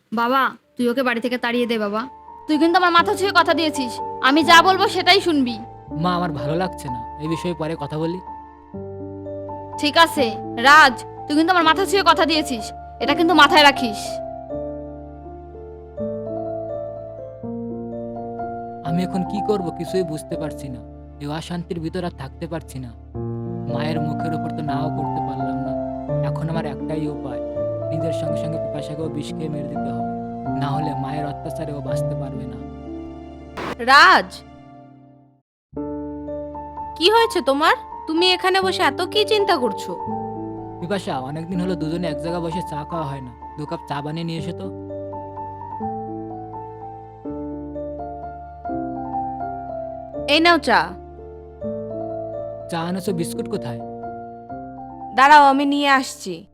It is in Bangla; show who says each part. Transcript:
Speaker 1: বাবা, তুই ওকে বাড়ি থেকে তাড়িয়ে দে বাবা। তুই কিন্তু আমার মাথা ছুঁয়ে কথা দিয়েছিস, আমি যা বলবো সেটাই শুনবি।
Speaker 2: মা, আমার ভালো লাগছে না, এই বিষয়ে পরে কথা বলি।
Speaker 1: ঠিক আছে রাজ, তুই কিন্তু আমার মাথা ছুঁয়ে কথা দিয়েছিস, এটা কিন্তু মাথায় রাখিস।
Speaker 2: আমি এখন কি করব কিছুই বুঝতে পারছি না। এই অশান্তির ভিতর আর থাকতে পারছি না। মায়ের মুখের উপর তো নাও করতে পারলাম না। এখন আমার একটাই উপায়, নিজের সঙ্গে সঙ্গে পিপাসাকেও বিষ খেয়ে মেরে দিতে হবে। না হলে মায়ের অত্যাচারে ও বাঁচতে পারবে না।
Speaker 3: রাজ, কি হয়েছে তোমার? তুমি এখানে বসে এত কি চিন্তা করছো?
Speaker 2: পিপাসা, অনেকদিন হলো দুজনে এক জায়গায় বসে চা খাওয়া হয় না, 2 কাপ চা বানিয়ে নিয়ে এসো তো।
Speaker 3: এই নাও চা।
Speaker 2: চা আনেছো, বিস্কুট কোথায়?
Speaker 3: দাঁড়াও, আমি নিয়ে আসছি।